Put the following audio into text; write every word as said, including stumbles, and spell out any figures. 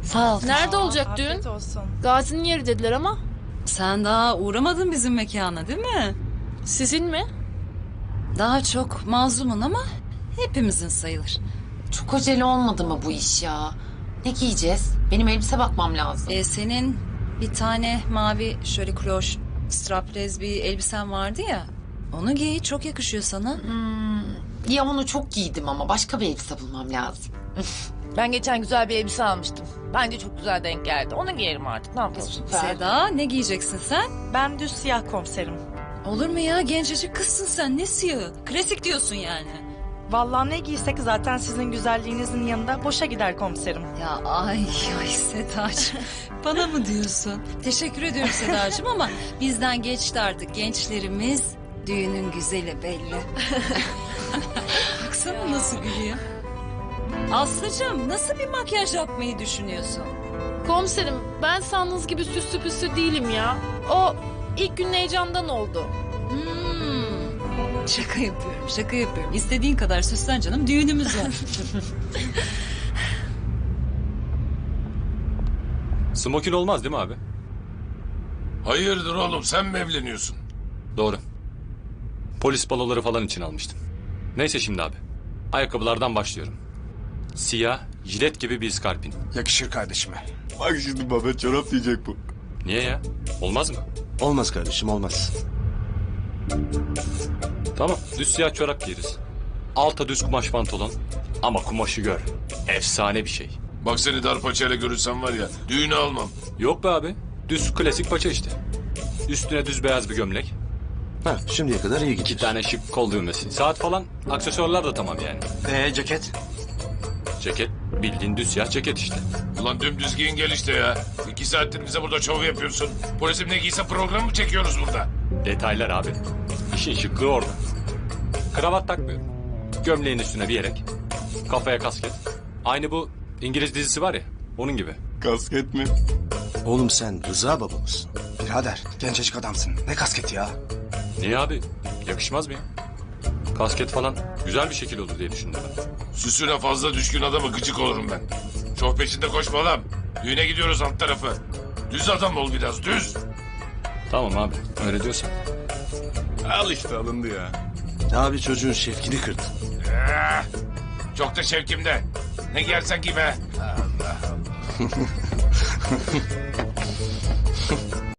Sağ ol. Nerede olacak Afiyet düğün? olsun. Gazi'nin yeri dediler ama. Sen daha uğramadın bizim mekana değil mi? Sizin mi? Daha çok mazlumun ama hepimizin sayılır. Çok acele olmadı mı bu iş ya? Ne giyeceğiz? Benim elbise bakmam lazım. Ee, senin bir tane mavi şöyle kloş straplez bir elbisen vardı ya. Onu giy, çok yakışıyor sana. Ya onu çok giydim ama başka bir elbise bulmam lazım. Ben geçen güzel bir elbise almıştım. Bence çok güzel denk geldi. Onu giyerim artık. Ne yapalım? Süper. Seda, ne giyeceksin sen? Ben düz siyah komiserim. Olur mu ya, gencecik kızsın sen, ne siyahı? Klasik diyorsun yani. Vallahi ne giysek zaten sizin güzelliğinizin yanında boşa gider komiserim. Ya ay ay Sedacığım, bana mı diyorsun? Teşekkür ediyorum Sedacığım ama bizden geçti artık, gençlerimiz düğünün güzeli belli. Baksana nasıl gülüyor. Aslıcığım, nasıl bir makyaj yapmayı düşünüyorsun? Komiserim ben sandığınız gibi süslü püslü değilim ya. O ilk gün heyecandan oldu. Hmm, şaka yapıyorum, şaka yapıyorum. İstediğin kadar süslen canım, düğünümüz var. Smokin olmaz değil mi abi? Hayırdır oğlum, sen mi evleniyorsun? Doğru. Polis baloları falan için almıştım. Neyse şimdi abi. Ayakkabılardan başlıyorum. Siyah, jilet gibi bir iskarpin. Yakışır kardeşime. Bak şimdi baba çorap diyecek bu. Niye ya? Olmaz mı? Olmaz kardeşim olmaz. Tamam, düz siyah çorap giyeriz. Alta düz kumaş pantolon. Ama kumaşı gör. Efsane bir şey. Bak seni dar paçayla görürsem var ya, düğünü almam. Yok be abi. Düz klasik paça işte. Üstüne düz beyaz bir gömlek. Ha şimdiye kadar iyi İki gidiyor. tane şık kol düğmesi. Saat falan, aksesuarlar da tamam yani. Ee ceket? Ceket, bildiğin düz siyah ceket işte. Ulan dümdüz giyin gel işte ya. İki saattir bize burada şov yapıyorsun. Polisim ne giyse program mı çekiyoruz burada? Detaylar abi. İşin şıklığı orada. Kravat takmıyorum. Gömleğin üstüne bir yelek. Kafaya kasket. Aynı bu İngiliz dizisi var ya, onun gibi. Kasket mi? Oğlum sen Rıza baba mısın? Birader gencecik adamsın. Ne kasketi ya? Niye abi? Yakışmaz mı ya? Kasket falan güzel bir şekil olur diye düşündüm ben. Süsüne fazla düşkün adamı gıcık olurum ben. Şov peşinde koşma lan. Düğüne gidiyoruz alt tarafı. Düz adam ol biraz, düz. Tamam abi, öyle diyorsan. Al işte alındı ya. Abi çocuğun şevkini kırdın. Eh, çok da şevkimde. Ne giyersen giy be.